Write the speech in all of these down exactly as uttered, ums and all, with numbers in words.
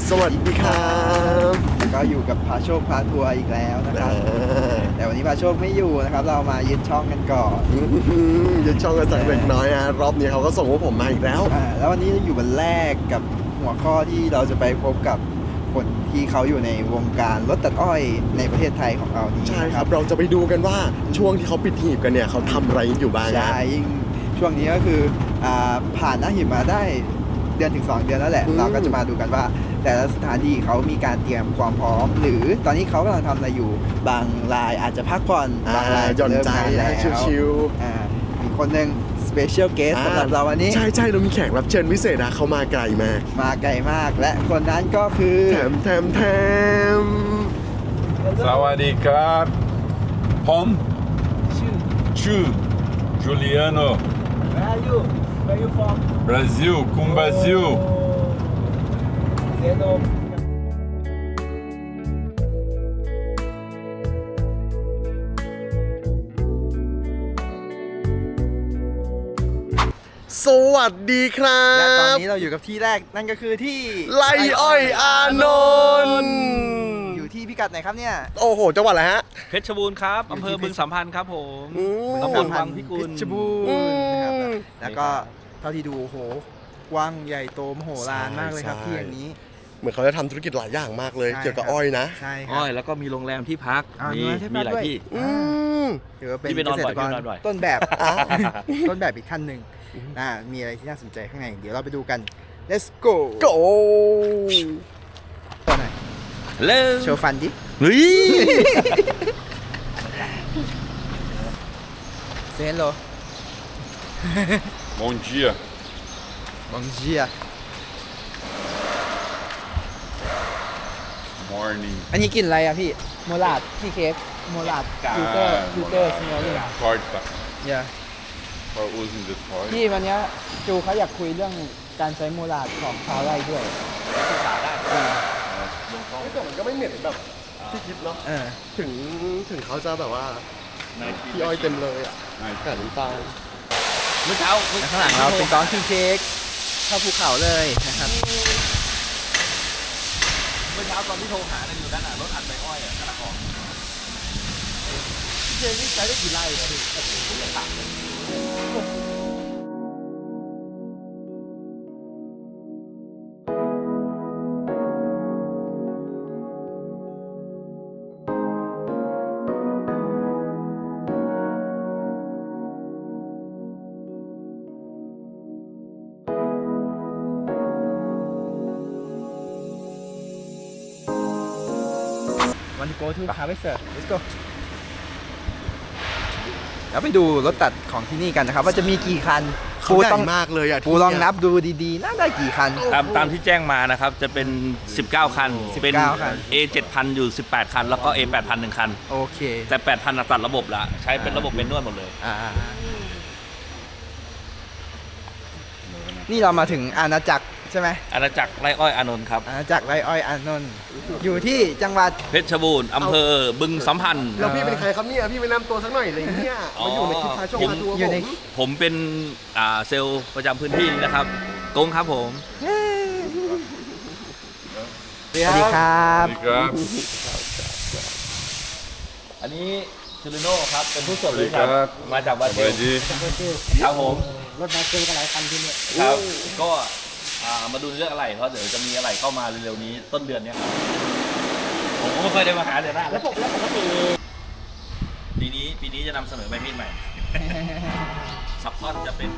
สวัสดีครับก็อยู่กับพาโชคพาทัวร์อีกแล้วนะครับแต่วันนี้พาโชคไม่อยู่นะครับเรามายึดช่องกันก่อนยึดช่องกันสักเล็กน้อยฮะรอบนี้เขาก็ส่งพวกผมมาอีกแล้วแล้ววันนี้อยู่วันแรกกับหัวข้อที่เราจะไปพบกับคนที่เขาอยู่ในวงการรถตัดอ้อยในประเทศไทยของเรานี้ใช่ครับเราจะไปดูกันว่าช่วงที่เขาปิดหีบกันเนี่ยเขาทำอะไรอยู่บ้างใช่ยิ่งช่วงนี้ก็คือผ่านหน้าหีบมาได้เดือนถึงสองเดือนแล้วแหละเราก็จะมาดูกันว่าแต่ละสถานที่เขามีการเตรียมความพร้อมหรือตอนนี้เขากำลังทำอะไรอยู่บางรายอาจจะพักผ่อนบางรายหย่อนใจแล้วชิวๆอีกคนหนึ่งสเปเชียลเกสสำหรับเราวันนี้ใช่ใช่เรามีแขกรับเชิญพิเศษนะเขามาไกลมากมาไกลมากและคนนั้นก็คือแถมแถมแถมสวัสดีครับผมชื่อชื่อจูเลียโน Where are you? Where you from? Brasil com Brasil Zeno สวัสดีครับและตอนนี้เราอยู่กับที่แรกนั่นก็คือที่ไร่อ้อยอานนท์อยู่ที่พิกัดไหนครับเนี่ยโอ้โหจังหวัดอะไรฮะเพชรบูรณ์ครับอำเภอบึงสัมพันธ์ครับผมตำบลวังพิกุลเพชรบูรณ์นะครับแล้วก็เท่าที่ดูโอ้โหกว้างใหญ่โตมโหฬารมากเลยครับที่อย่างนี้เหมือนเขาจะทำธุรกิจหลายอย่างมากเลยเกี่ยวกับอ้อยนะใช่อ้อยแล้วก็มีโรงแรมที่พักมีมีหลายที่ถือว่าเป็นเกษตรกรต้นแบบต้นแบบอีกขั้นหนึ่งอ่ามีอะไรที่น่าสนใจข้างในเดี๋ยวเราไปดูกัน let's go go ตัวไหนเร็วโชว์ฟันดิเฮ้ยเซนโล Bom dia Bom dia Morning อันนี้กินอะไรอ่ะพี่โมลาดที่เค้กโมลาดฟิลเตอร์ฟิลเตอร์สโนว์เลย Torta เยอะ for using the torta พี่วันนี้จูเขาอยากคุยเรื่องการใช้โมลาดของชาวไร่ด้วยศึกษาได้แต่มันก็ไม่เหม็นแบบที่คิดเนาะถึงถึงเขาจะแบบว่าพี่อ้อยเต็มเลยอ่ะแต่น้ำตาลเมื่อเช้าข้างหลังเราเป็นก้อนที่เค้กเข้าภูเขาเลยนะครับเมื่อเช้าตอนที่โทรหาเนี่ยอยู่ด้านหน้ารถอัดใบอ้อยอ่ะกำลังออกเจนี่ใช้ได้กี่ไร่ครับพี่วันโกทูฮาร์เวสเตอร์ let's go แล้วไปดูรถตัดของที่นี่กันนะครับว่าจะมีกี่คันปูต้องมากเลยอ่ะปูลองนับดูดีๆน่าได้กี่คันตามตามที่แจ้งมานะครับจะเป็นสิบเก้าคันเป็น เอ เจ็ดพัน อยู่สิบแปดคันแล้วก็ เอ แปดพัน หนึ่งคันโอเคแต่ แปดพัน ตัดระบบละใช้เป็นระบบเป็นนวดหมดเลยอ่านี่เรามาถึงอาณาจักรใช่ไหมอาณาจักรไร่อ้อยอานนท์ครับอาณาจักรไร่อ้อยอานนท์อยู่ที่จังหวัดเพชรบูรณ์อำเภอบึงสัมพันธ์แล้วพี่เป็นใครครับเนี่ยพี่ไปนำตัวสักหน่อยเลยเนี่ยมาอยู่ในคลิปพาโชว์พาทัวร์ผมผมเป็นอ่าเซลล์ประจำพื้นที่นะครับกงครับผมสวัสดีครับสวัสดีครับอันนี้จูริโน่ครับเป็นผู้ส่งเลยครับมาจากบราซิลครับผมรถมาเจอกันหลายคันที่นี่ครับก็มาดูเรื่องอะไรเพราะเดี๋ยวจะมีอะไรเข้ามาเร็วๆนี้ต้นเดือนนี้ครับผมก็ไม่เคยได้มาหาเดือนหน้าแล้วปกแล้วปกติปีนี้ปีนี้จะนำเสนอไมค์มีดใหม่ซับพอร์ตจะเป็น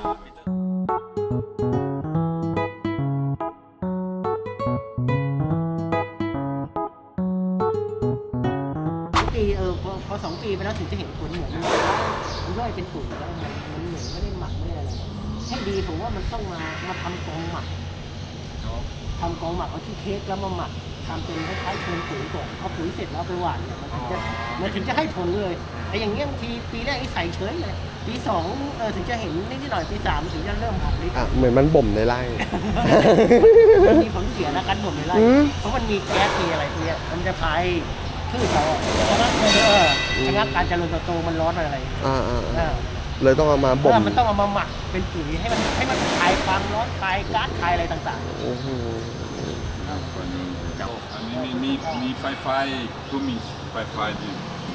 ปีเออพอพอสองปีไปแล้วถึงจะเห็นผลเหมือนมันมันย่อยเป็นปุ๋ยแล้วมันเหมือนไม่ได้หมักไม่ได้อะไรให้ดีผมว่ามันต้องมามาทำกองหมักทำกองหมักเอาที่เค้กแล้วมาหมักทำเป็นคล้ายๆเชิญปุ๋ยก่อนเอาปุ๋ยเสร็จแล้วไปหว่านเนี่ยมันถึงจะมันถึงจะให้ผลเลยไอ้อย่างเงี้ยบางทีปีแรกไอ้ใส่เฉยเลยปีสองเออถึงจะเห็นนิดหน่อยปีสามถึงจะเริ่มออกฤทธิ์อ่ะเหมือนมันบ่มในไร่มันมีผลเสียนะการบ่มในไร่เพราะมันมีแก๊สมีอะไรพวกนี้มันจะพายพืชเขาชะงักเออชะงักการเจริญเติบโตมันร้อนอะไรอ่าเลยต้องเอามาบ่มมันต้องเอามาหมักเป็นปุ๋ยให้มันให้มันคลายความร้อนคลายก๊าซคลายอะไรต่างๆมีมีไฟไฟก็มีไฟไฟดี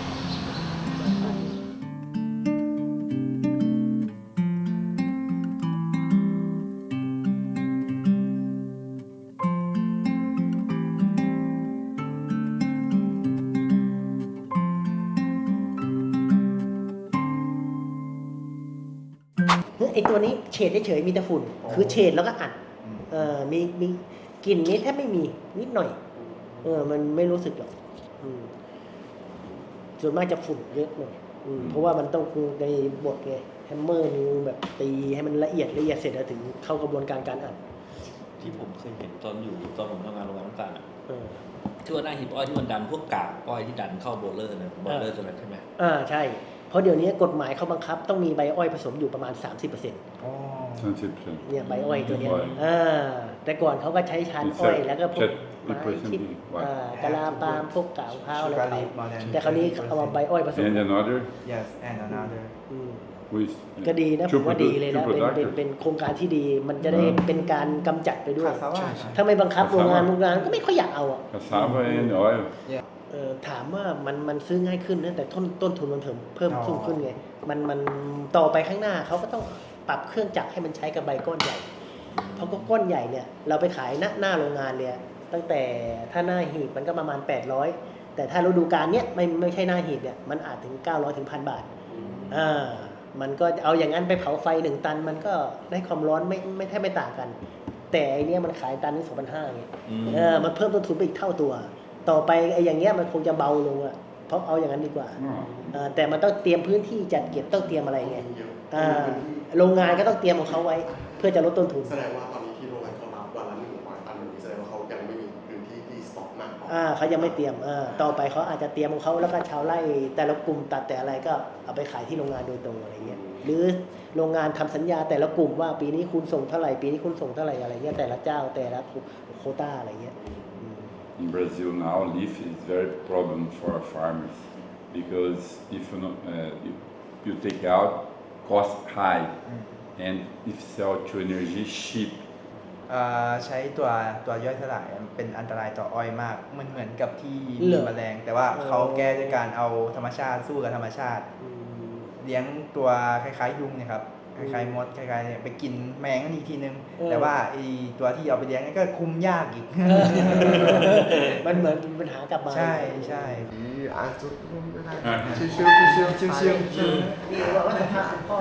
ไอตัวนี้เฉดเฉยๆมีแต่ฝุ่น คือเฉดแล้วก็อัดเออมีมีกลิ่นนี้แทบไม่มีนิดหน่อยเออมันไม่รู้สึกหรอกอืมส่วนมากจะฝุ่นเยอะหน่อยอืมเพราะว่ามันต้องในบทไงแฮมเมอร์นิ้วแบบตีให้มันละเอียดละเอียดเสร็จแล้วถึงเข้ากระบวนการการอัดที่ผมเคยเห็นตอนอยู่ตอนผมทำงานโรงงานน้ำตาลอะเออที่ว่าหน้าหีบอ้อยที่มันดันพวกกากอ้อยที่ดันเข้าโบลเลอร์นะโบลเลอร์ตัวนั้นใช่ไหมอ่าใช่ เพราะเดี๋ยวนี้กฎหมายเขาบังคับต้องมีใบอ้อยผสมอยู่ประมาณ สามสิบเปอร์เซ็นต์อ๋อสามสิบเปอร์เซ็นต์เนี่ยใบอ้อยตัวเนี้ยอ้อยอ่าแต่ก่อนเขาก็ใช้ชั้นอ้อยแล้วก็พวกเจ็ดไม้เจ็ดคิดไว้อ่ากะลาปาล์มพวกกากมะพร้าวอะไร Sugar ไป leaf more than แต่คราวนี้เอามาใบอ้อยผสม and another yes and another อืม with ก็ดีนะผมว่าดีเลยนะเป็นเป็นเป็นโครงการที่ดี มันจะได้เป็นการกำจัดไปด้วยคาซาว่าถ้าไม่บังคับโรงงานโรงงานก็ไม่ค่อยอยากเอาอ่ะ cassava and oil เออถามว่ามันมันซื้อง่ายขึ้นนะแต่ต้นต้นทุนมันเพิ่มเพิ่มอ๋อสูงขึ้นไงมันมันต่อไปข้างหน้าเขาก็ต้องปรับเครื่องจักรให้มันใช้กับใบก้อนใหญ่ เพราะก็ก้อนใหญ่เนี่ยเราไปขายหน้าหน้าโรงงานเนี่ยตั้งแต่ถ้าหน้าหีบมันก็ประมาณแปดร้อยแต่ถ้าฤดูกาลเนี้ยไม่ไม่ใช่หน้าหีบเนี่ยมันอาจถึงเก้าร้อยถึงพันบาทอ่ามันก็เอาอย่างนั้นไปเผาไฟหนึ่งตันมันก็ได้ความร้อนไม่ไม่แทบไม่ต่างกัน แต่ไอเนี้ยมันขายตันที่สองพันห้าไงอืมเออมันเพิ่มต้นทุนไปอีกเท่าตัว ต่อไปไอ้อย่างเงี้ยมันคงจะเบาลงอะเพราะเอาอย่างนั้นดีกว่าอ๋อเออแต่มันต้องเตรียมพื้นที่จัดเก็บต้องเตรียมอะไรไงอ่าโรงงานก็ต้องเตรียมของเขาไว้ เพื่อจะลดต้นทุนแสดงว่าตอนนี้ที่โรงงานเขารับวันละหนึ่งร้อยตันอย่างนี้แสดงว่าเขายังไม่มีพื้นที่ที่สต็อกมากพออ่าเขายังไม่เตรียมอ่าต่อไปเขาอาจจะเตรียมของเขาแล้วก็ชาวไร่แต่ละกลุ่มตัดแต่อะไรก็เอาไปขายที่โรงงานโดยตรงอะไรเงี้ยหรือโรงงานทำสัญญาแต่ละกลุ่มว่าปีนี้คุณส่งเท่าไหร่ปีนี้คุณส่งเท่าไหร่อะไรเงี้ยแต่ละเจ้าแต่ละโควต้าอะไรเงี้ยอืม In Brazil now, leaf is very problem for farmers because if you know, uh, you, you take out, cost high, and if sell to energy cheap. อ่าใช้ตัวตัวย่อยสลายเป็นอันตรายต่ออ้อยมาก มันเหมือนกับที่เหรมีอแมลง แต่ว่าเออเขาแก้ด้วยการเอาธรรมชาติสู้กับธรรมชาติอืมเลี้ยงตัวคล้ายๆยุงเนี่ยครับคล้ายๆมดคล้ายๆเนี่ยไปกินแมงนั่นอีกทีนึงเออแต่ว่าไอตัวที่เอาไปเลี้ยงนี่ก็คุมยากอีกมันเหมือนเป็นปัญหากลับมาใช่ใช่อ่ะจุดร่วมก็ได้อ่ะชิวๆชิวๆชิวๆชิวนี่ว่าว่าสภาพคุณพ่อ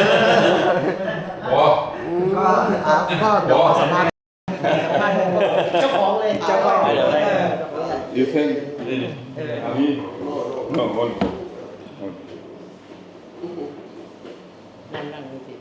Oh, ก็อ่ะก็เดี๋ยวขอสัมภาษณ์เจ้าของเลยเจ้าของเดี๋ยวได้ you think? Me? No, one. นั่งนั่งดูสิ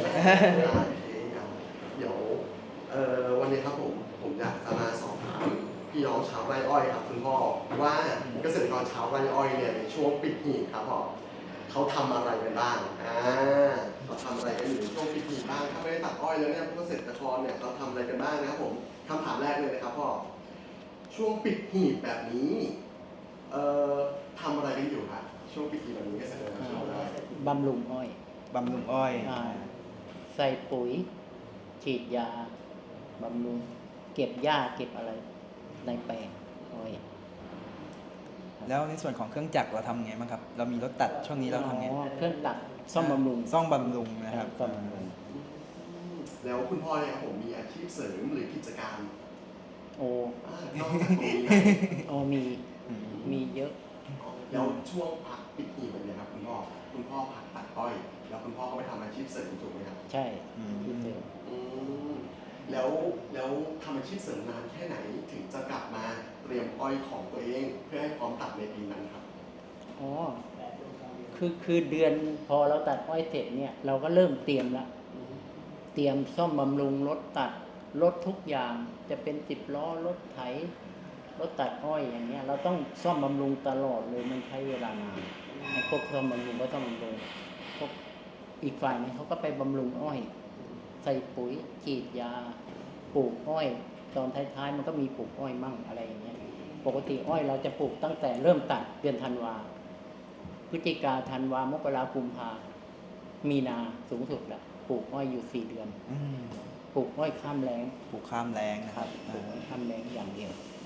เดี๋ยวเอ่อวันนี้ครับผมผมอยากจะมาสอบถามพี่น้องชาวไร่อ้อยครับคุณพ่อว่าเกษตรกรชาวไร่อ้อยเนี่ยในช่วงปิดหีบครับพ่อเขาทำอะไรกันบ้างอ่าเขาทำอะไรกันอยู่ในช่วงปิดหีบบ้างถ้าไม่ได้ตัดอ้อยแล้วเนี่ยพวกเกษตรกรเนี่ยเขาทำอะไรกันบ้างนะครับผมคำถามแรกเลยนะครับพ่อช่วงปิดหีบแบบนี้เอ่อทำอะไรกันอยู่ครับช่วงปิดหีบแบบนี้เกษตรกรชาวไร่บำรุงอ้อยบำรุงอ้อยอ่า ใส่ปุ๋ย ฉีดยา บำรุง เก็บหญ้าเก็บอะไร ในแปลงอ้อยแล้วในส่วนของเครื่องจักรเราทำไงบ้างครับ เรามีรถตัดช่วงนี้เราทำไงอ๋อเครื่องตัดซ่อมบำรุงซ่อมบำรุงนะครับซ่อมบำรุงแล้วคุณพ่อเนี่ยครับผมมีอาชีพเสริมหรือกิจการโอ้อ่านอกจากตรงนี้นะโอ้มี มีเยอะแล้วช่วงพักปิดหีบแบบนี้ครับคุณพ่อคุณพ่อพักตัดอ้อย แล้วคุณพ่อก็ไปทำอาชีพเสริมถูกไหมครับใช่อืมที่เดิมอืมแล้วแล้วทำอาชีพเสริมนานแค่ไหนถึงจะกลับมาเตรียมอ้อยของตัวเอง เพื่อให้พร้อมตัดในปีนั้นครับอ๋อ คือคือเดือนพอเราตัดอ้อยเสร็จเนี่ย เราก็เริ่มเตรียมละ เตรียมซ่อมบำรุงรถตัดรถทุกอย่างจะเป็นสิบล้อรถไถรถตัดอ้อยอย่างเงี้ยเราต้องซ่อมบำรุงตลอดเลยมันใช้เวลานานไอ้พวกซ่อมบำรุงก็ซ่อมบำรุงพวกอีกฝ่ายนึงเขาก็ไปบำรุงอ้อย ใส่ปุ๋ยฉีดยาปลูกอ้อย ตอนท้ายๆมันก็มีปลูกอ้อยมั่งอะไรอย่างเงี้ยปกติอ้อยเราจะปลูกตั้งแต่เริ่มตัดเดือนธันวาพฤศจิกาธันวามกรากุมภามีนาสูงสุดละปลูกอ้อยอยู่สี่เดือนอืมปลูกอ้อยข้ามแล้งปลูกข้ามแรงนะคครัรับบ ปลูกอ้อยข้ามแล้งอย่างเดียว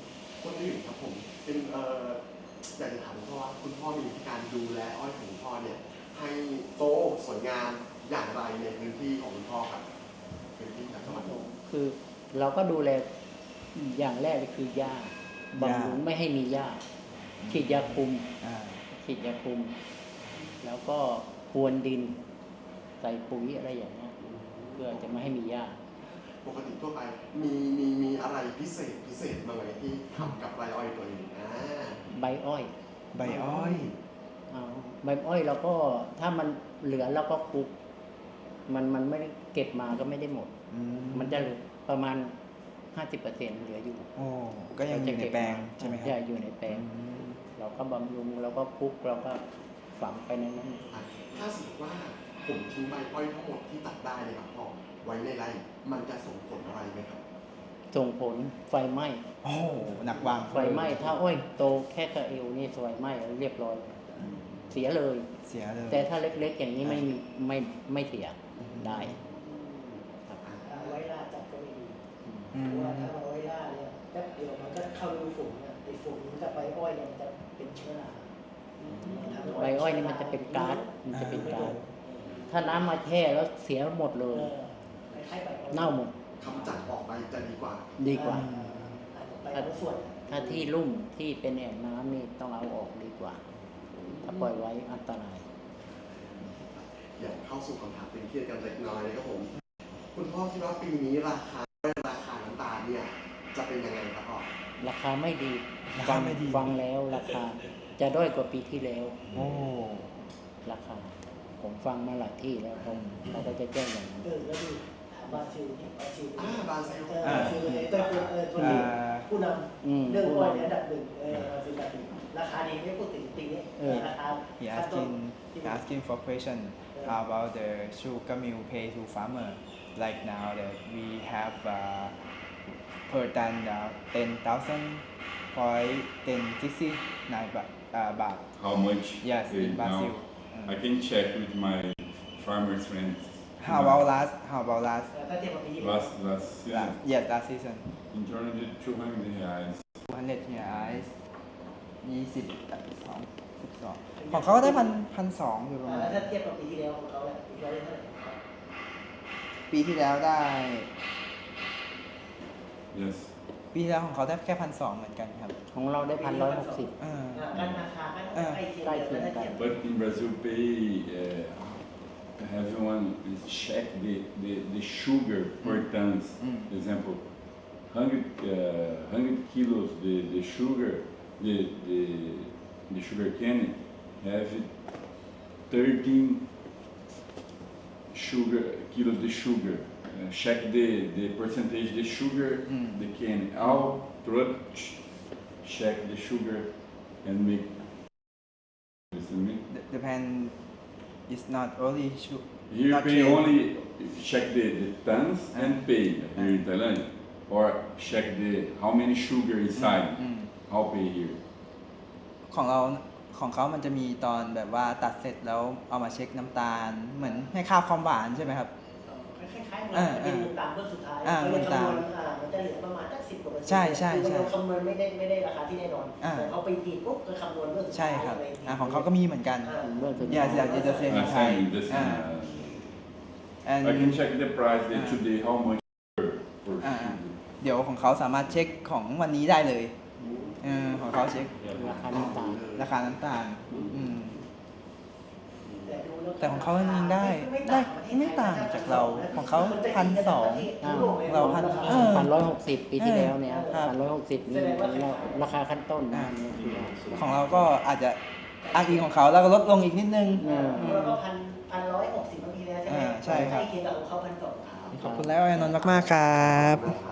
คนอื่นครับผมเป็นเอ่ออยากจะถามคุณพ่อว่าคุณพ่อมีวิธีการดูแลอ้อยของคุณพ่อเนี่ยให้โตสวยงามอย่างไรในพื้นที่ของคุณพ่อครับพื้นที่จากจังหวัดนนท์คือเราก็ดูแลอย่างแรกเลยคือหญ้าบำรุงไม่ให้มีหญ้าฉีดยาคุมอ่าฉีดยาคุม แล้วก็พรวนดินใส่ปุ๋ยอะไรอย่างเงี้ยเพื่อจะไม่ให้มีหญ้าปกติทั่วไปมีมีมีอะไรพิเศษพิเศษบ้างไหมที่ทำกับใบอ้อยตัวนี้อ่าใบอ้อยใบอ้อยเอาใบอ้อยเราก็ถ้ามันเหลือเราก็คลุก มันมันไม่ได้เก็บมาก็ไม่ได้หมดอืมันจะเหลือประมาณห้าสิบเปอร์เซ็นต์เหลืออยู่โอ้ก็ยังอยู่ในแปลงใช่ไหมครัใช่อยู่ในแปลงอืมเราก็บำรุงเราก็คลุกเราก็ฝังไปในนั้นถ้าสมมติว่าผมทิ้งใบอ้อยทั้งหมดที่ตัดได้เลยครับพ่อไว้ในไร่มันจะส่งผลอะไรไหมครับส่งผลไฟไหม้โอ้หนักวางไฟไหม้ถ้าอ้อยโตแค่กระเอวนี่ไฟไหม้เรียบร้อยอืมเสียเลยเสียเลยแต่ถ้าเล็กๆอย่างนี้ไม่มีไม่ไม่เสียได้ครับเอาไว้ล่าจับก็ไม่ดีอืเพมราะว่าถ้าเอาไว้ล่าเนี่ยแป๊บเดียวมันก็เข้ารูฝุ่นเนี่ยไอ้ฝุ่นมันกับใบอ้อยเนี่ยมันจะเป็นเชื้อราใบอ้อยนี่มันจะเป็นก๊าซมันจะเป็นไม่ก๊าโดซนถ้าน้ำมาแช่แล้วเสียหมดเลเอย อคล้ายๆใบอ้อยเน่าหมดคำจัดออกไปจะดีกว่าดีกว่าอาจจะไปบางส่วนถ้าที่ลุ่มที่เป็นแอ่งน้ำนี่ต้องเอาออกดีกว่า ถ้าปล่อยไว้อันตรายอยากเข้าสู่คำถามเป็นเครียดกันเล็กน้อยนะครับผม คุณพ่อคิดว่าปีนี้ราคาราคาน้ำตาลเนี่ยจะเป็นยังไงครับพ่อราคาไม่ดีราฟัคาง ไม่ดีฟังแล้วราคาจะด้อยกว่าปีที่แล้วโอ้ราคา ผมฟังมาหลายที่แล้วผมเราก็จะแจ้งอย่างนั้นเออแล้วดูถามบราซิลเนี่ยบราซิลอ่าบราซิลเออบราซิลไอ้ตัวตัวเออตัวนี้อ่าผู้นอืมำเรื่องอ้อยเนี่ยอันดับหนึ่งเออบราซิลอันดับหนึ่งราคาดีไม่พูดถึงปีนี้เออราคา he ขั้นต้น asking he asking for question about the sugar mill pay to farmer like now that we have uh, per ton uh, ten thousand point ten sixty nine baht uh, baht How much? yes Okay, in Brazil now I can check with my farmers friends. how about last how about last ถ้าเทียบกับปีที่แล้ว last last season? last yes last season In turn to two hundred reais. two hundred reais ยี่สิบสองสิบสองของเขาก็ได้พันพันสองอยู่ประมาณถ้าเทียบกับปีที่แล้วของเขาเนี่ยปีที่แล้วได้เท่าไหร่ครับปีที่แล้วได้ Yes. ปีที่แล้วของเขาได้แค่พันสองเหมือนกันครับของเราได้พันร้อยหกสิบเอออ่ากันราคาก็ใกล้เคียงใกล้เคียงกันกัน But in Brazil, pay uh, everyone is check the, the, the sugar per tons. Mm. Example, hundred uh, hundred kilos the, the sugar the, the the sugar cane have thirteen sugar kilos the sugar. Uh, check the, the percentage the sugar Mm. the cane. All truck ch- check the sugar and make. Listen me. the, the pen is not only su- Here not pay cane. only check the, the tons Ah. and pay here in Thailand, or check the how many sugar inside. อืม How pay here? ของเราของเขามันจะมีตอนแบบว่าตัดเสร็จแล้วเอามาเช็คน้ำตาล เหมือนให้ค่าความหวานใช่ไหมครับคล้ายๆเหมือนเออเป็นมูลต่างเบื้องสุดท้ายอ่าเขาจะคำนวณมูลต่างอ่ามันจะเหลือประมาณสักสิบกว่าเปอร์เซ็นต์ใช่ใช่คือมันใช่ยังคำนวณไม่ได้ไม่ได้ราคาที่แน่นอนอ่าแต่เขาไปดีดปุ๊บก็คำนวณเบื้องสุดใช่ท้ายครับอะไรย่อ่าของเขาก็มีเหมือนกันอ่าเมื่อสุด Yes, yes, it's the same in Uh, Thai. same, the same, Ah. uh, and I can check the price that Ah. today how much per, per Ah. sugar. เดี๋ยวของเขาสามารถเช็คของวันนี้ได้เลยเออของเขาเช็คราคาน้ำตาลราคาน้ำตาลอืมแต่ดูล้วแต่ของเขามันได้ม่ได้ต่างประเทศไม่ต่างจากเราของเขามัจะพันสองทั่วโลกลยเราพันเออพันร้อยหกสิบปีที่แล้วเนี่ยครับพันร้อยหกสิบนี่ราคาขั้นต้นนะนี่คือของเราก็อาจจะอ้างอิงของเขาแล้วก็ลดลงอีกนิดนึงเออของเราก็พันพันร้อยหกสิบปีแล้วใช่ไหมอ่าใช่ครับใกล้เคียงกับของเขาพันสองขอบคุณแล้วอานนท์มากๆครับนะครับ